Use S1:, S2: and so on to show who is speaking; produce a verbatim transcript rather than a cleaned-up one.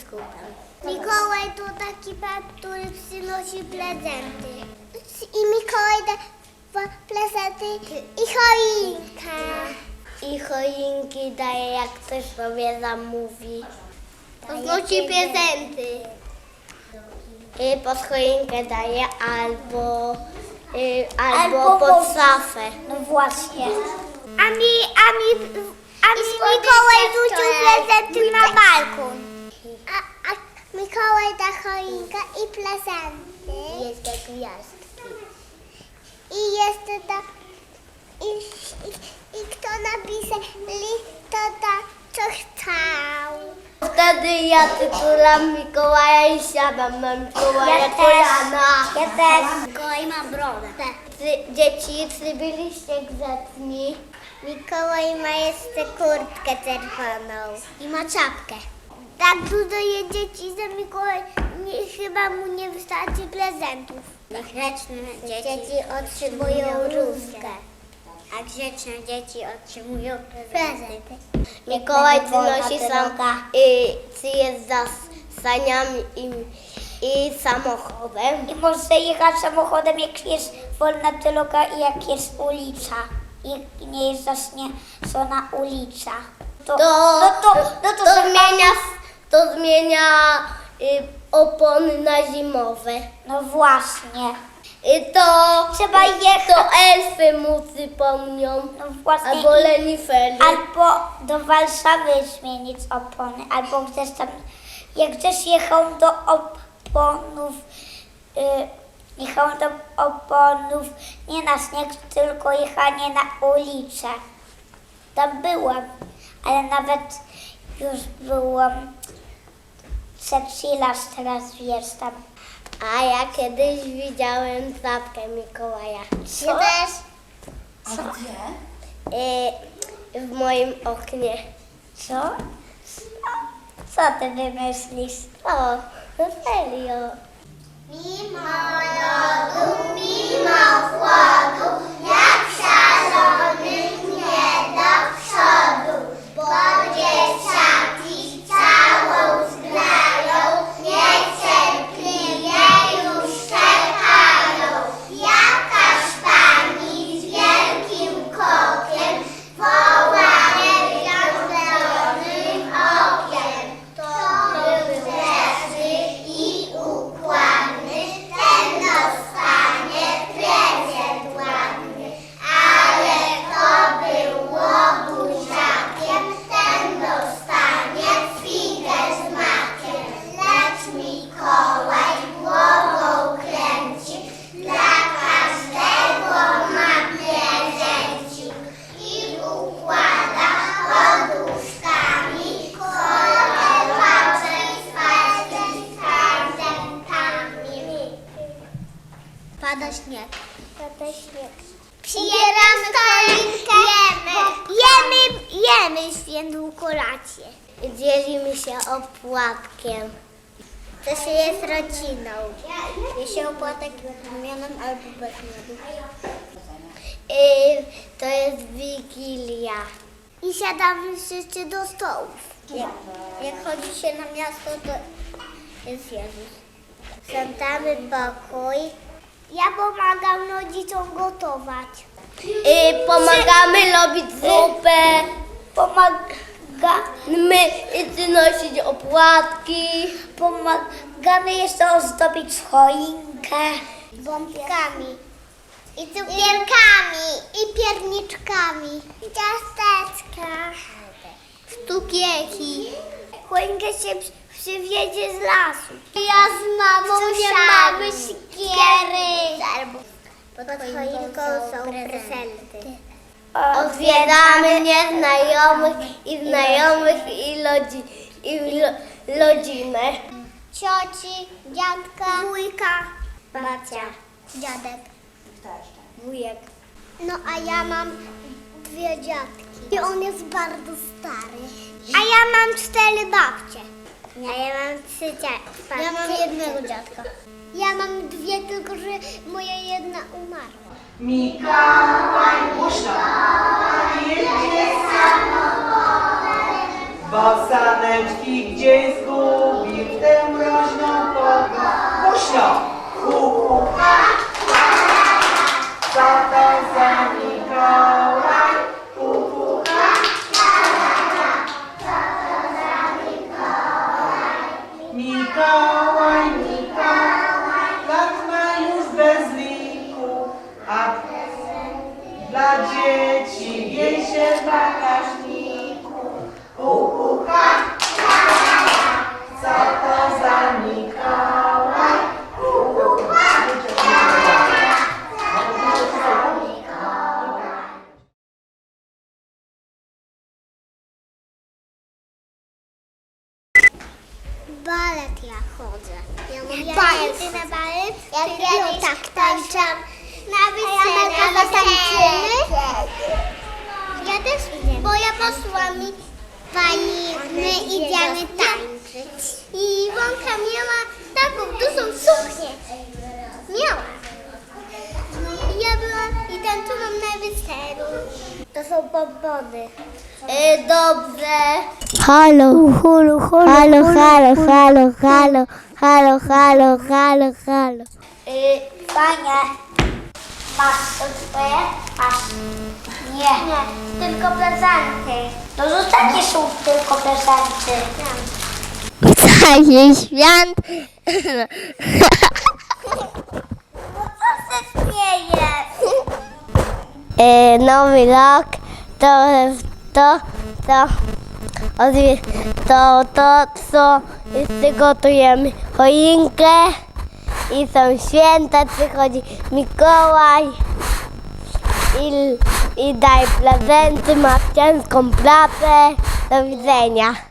S1: biskupem. Mikołaj to taki pan, który przynosi prezenty. I Mikołaj da prezenty i choinkę. I choinki daje, jak ktoś sobie zamówi. Podnosi prezenty. I pod choinkę daje albo, y, albo, albo pod szafę.
S2: No właśnie.
S1: A mi, a mi, a mi Mikołaj rzucił prezenty na balkon. A, a Mikołaj da choinkę i prezenty. Jest jak gwiazdki. I jeszcze da, i, i, i kto napisze list, to da co chciał. Wtedy ja tytulam Mikołaja i siadam na Mikołaja
S2: Ja
S1: kolana.
S2: też. Ja też.
S1: Mikołaj ma brodę. Ty, dzieci, czy byliście grzeczni? Mikołaj ma jeszcze kurtkę czerwoną. I ma czapkę. Tak dużo jest dzieci, że Mikołaj nie, chyba mu nie wystarczy prezentów. Grzeczne dzieci, dzieci otrzymują różkę. A grzeczne dzieci otrzymują prezenty. Mikołaj przynosi sam, y, czy jest za saniami i, i samochodem.
S2: I może jechać samochodem, jak jest wolna droga i jak jest ulica. I nie jest zaśniecona ulica. To,
S1: To,
S2: no to, no to,
S1: to
S2: za-
S1: zmienia, to zmienia y, opony na zimowe.
S2: No właśnie.
S1: Y, to,
S2: Trzeba jechać.
S1: to elfy mu przypomnią.
S2: No właśnie.
S1: Albo
S2: I-
S1: lenifery.
S2: Albo do Warszawy zmienić opony, albo gdzieś tam, jak gdzieś jechał do oponów, yy, jechał do oponów nie na śnieg, tylko jechanie na ulicę. Tam byłam, ale nawet już byłam trzeci raz, teraz jestem.
S1: A ja kiedyś widziałem czapkę Mikołaja.
S2: Co?
S1: Ty też?
S3: A gdzie?
S1: Y, w moim oknie.
S2: Co? Co ty wymyślisz?
S1: O, no serio. Mimo lodu, mimo chłodu, jak szalonych nie do przodu, bo dzieciaki całą zgrają, niecierpliwie już czekają. Jakaż pani z wielkim kokiem woła niewiadomym okiem. To był grzeczny i układny, ten dostanie prezent ładny. Ale kto był łobuziakiem, ten dostanie figę z makiem. Lecz Mikołaj głową kręci, dla każdego ma prezencik i układa poduszkami, kolorowacze z prezentami. Pada śnieg. Pada śnieg. Przybieramy choinkę. Jemy, jemy, jemy świętą kolację. Dzielimy się opłatkiem. To się jest rodziną. Je się opłatek z mionem albo bez miodu. Yy, to jest Wigilia. I siadamy wszyscy do stołów. Jak, jak chodzi się na miasto, to jest Jezus. Sprzątamy pokój. Ja pomagam rodzicom gotować. Yy, pomagamy robić zupę.
S2: Pomagamy,
S1: My nosić opłatki.
S2: pomagamy jeszcze ozdobić choinkę.
S1: Bombkami. I cukierkami. I pierniczkami. I ciasteczka. Cukierki. Choinkę się przy- przywiezie z lasu. Ja z mamą mamy sikiery. Pod choinką są prezenty. Odwiedzamy nieznajomych i znajomych i, lodzi, i lo, rodzinę. Cioci, dziadka, wujka, babcia, dziadek, wujek. No a ja mam dwie dziadki i on jest bardzo stary. A ja mam cztery babcie. A ja mam trzy dziadki. Ja mam jednego dziadka. Ja mam dwie, tylko że moja jedna umarła.
S3: Mikołaj głośno. Jedzie samochodem, bo saneczki gdzieś zgubił. Głośno. Pupucha, co to za Mikołaj? Pupucha, Mikołaj, Mikołaj, lat ma już bez liku, a dla dzieci jej się w bagażniku. Pupucha, co to za Mikołaj? Pupucha,
S1: Balet ja chodzę. Ja mówię, balet. Ty na balet? Ja kiedyś tak tańczę. Na wesele, a tańczymy? Ja też idę. Bo ja posłałam mi pani, my idziemy tańczyć. I Wonka miała taką dużą suknię. Miała. I ja byłam i tańczyłam na weselu. To są bombony. E, dobrze.
S2: Halo, halo, halo, halo, halo, halo, halo, halo, halo, halo. Y, Fajnie. Masz to twoje? Masz. Nie.
S1: Nie, tylko prezenty.
S2: To zostanie są tylko prezenty.
S1: Cały świat.
S2: Co się śmiejesz?
S1: E, nowy rok to to to odwi- to to co przygotujemy choinkę i są święta, przychodzi Mikołaj i, i daj prezenty, ma ciężką pracę. Do widzenia.